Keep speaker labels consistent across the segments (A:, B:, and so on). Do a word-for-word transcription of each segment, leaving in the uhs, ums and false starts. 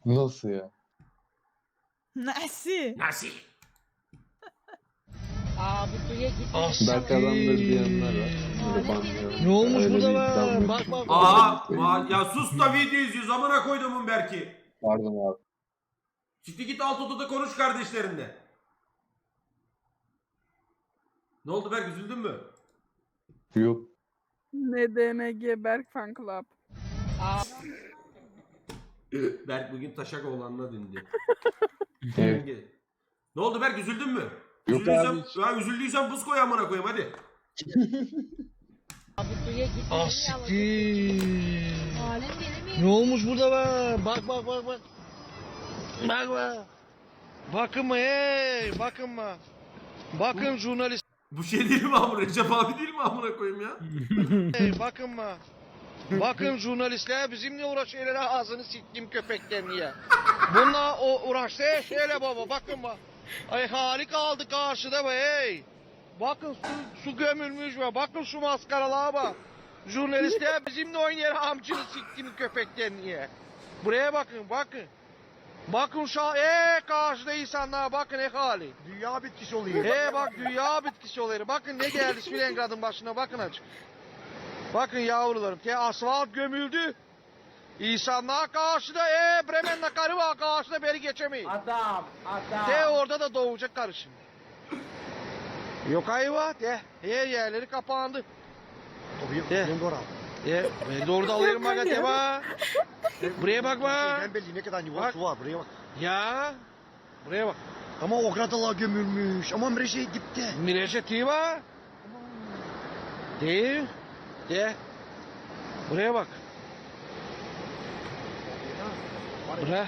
A: Nasıl ya?
B: Nasıl?
C: Nasıl?
D: Abi suya
E: Ah,
D: gitmiş.
A: Berk adamdır diyenler var. Böyle banlıyor.
E: Ne olmuş
A: Öyle
E: burada
A: bir
E: be?
A: iddiam yok.
E: Bak, bak, bak.
C: Aa, ma- ya sus da video izliyoruz amına koyduğumun Berk'i.
A: Pardon abi.
C: Çıktı git alt odada konuş kardeşlerinle. Ne oldu Berk, üzüldün mü?
A: Yok.
B: N D N G Berk Fan Club.
C: Berk bugün Taşak oğlanına döndü.
A: Evet.
C: Ne oldu Berk, üzüldün mü?
A: Yok
C: Üzüldüysen,
A: abi hiç.
C: ya üzüldüysen buz koy amına koyayım hadi.
D: Abi suya gitmiş.
E: Ah siktir. Ne olmuş burada be? Bak bak bak bak. Bak bak. Bakın mı hey, bakın mı? Bakın jurnalist
C: Bu şey değil mi amına? Recep abi değil mi amına koyayım ya?
E: hey, bakın mı? Bakın jurnalistler bizimle uğraşıyorlar, ağzını siktim köpeklerini ya. Bununla o uğraştı şöyle baba, bakın bak. Ay hali kaldı karşıda be hey. Bakın su, su gömülmüş be, bakın şu maskaralığa bak. Jurnalistler bizimle oynayan amcını siktim köpeklerini ya. Buraya bakın, bakın. Bakın şu an, ee, karşıda insanlar bakın ne hali.
F: Dünya bitkisi oluyor.
E: Ee bak dünya bitkisi oluyor. Bakın ne geldi Svilengrad'ın başına, bakın açık. Bakın yavrularım, te asfalt gömüldü. İnsanlar karşıda, ee Bremen'le karı var karşıda, beri geçemeyin.
D: Adam, adam.
E: Te orada da doğacak karı şimdi. Yok ayva, te her yerleri kapandı.
F: Tabii
E: De.
F: ben doğru.
E: E ben de orada alıyorum bak te bak. Buraya bak bak.
F: Ben belli ne kadar yuva
E: Bak.
F: su var buraya bak.
E: Ya. Buraya bak.
F: Ama o kradalar gömülmüş. Ama Mreşe gitti.
E: Mireçe tiva. Değil. De. Buraya bak. Buraya.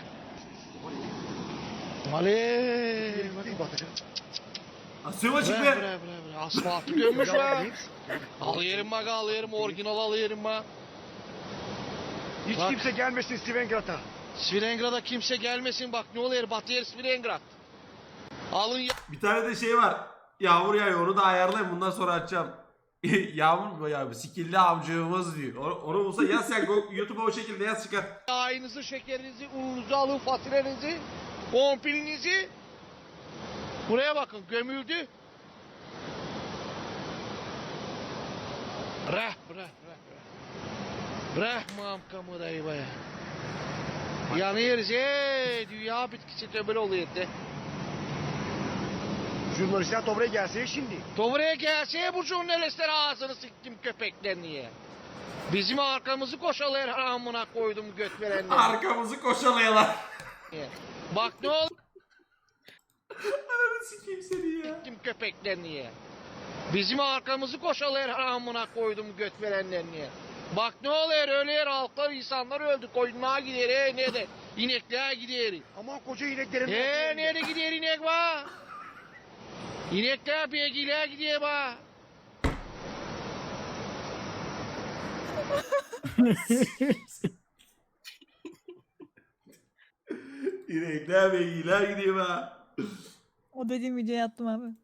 E: Ale.
F: Bakayım batacak.
C: Asıyorum açık
E: Buraya
C: be.
E: buraya buraya. buraya. Asfaltı gömmüş be. Al yerim bak, al yerim, orijinal al yerim bak.
F: Hiç
E: Bak.
F: kimse gelmesin Svilengrad'a.
E: Svilengrad'a kimse gelmesin bak, ne oluyor, batı yer Svilengrad. Alın ya.
C: Bir tane de şey var. Yağmur yağıyor, onu da ayarlayın, bundan sonra açacağım. Yağmur mu ya? Sikilli amcığımız diyor. Onu, onu bulsa yaz sen YouTube'a o şekilde yaz çıkar.
E: Yağınızı, şekerinizi, ununuzu alın, faturenizi, kompilinizi. Buraya bakın, gömüldü. Rah, rah, rah, rah. Rahmam kamudayı baya. Yanıyoruz, eee, dünya bitkisi töbel oluyor de.
F: Jurnalistler Dobra'ya gelse şimdi.
E: Doğruya gelse bu jurnalistler ağzını siktim köpeklerini ya. Bizim arkamızı koşalıyor, amına koydum göt verenler.
C: Arkamızı koşalayalar.
E: Bak ne oldu
C: Ananı sikeyim seni ya.
E: siktim köpeklerini ya. Bizim arkamızı koşalıyor, amına koydum göt verenlerini ya. Bak ne oluyor, öyle yer halklar, insanlar öldü, koyunluğa gider, he ne de inekliğe gider.
F: Ama koca ineklerin...
E: He nerede gider inek va? İnekler beygiliğe gidiyor va.
C: İnekler ve iyiler gidiyor ha.
B: O dediğim videoya attım abi.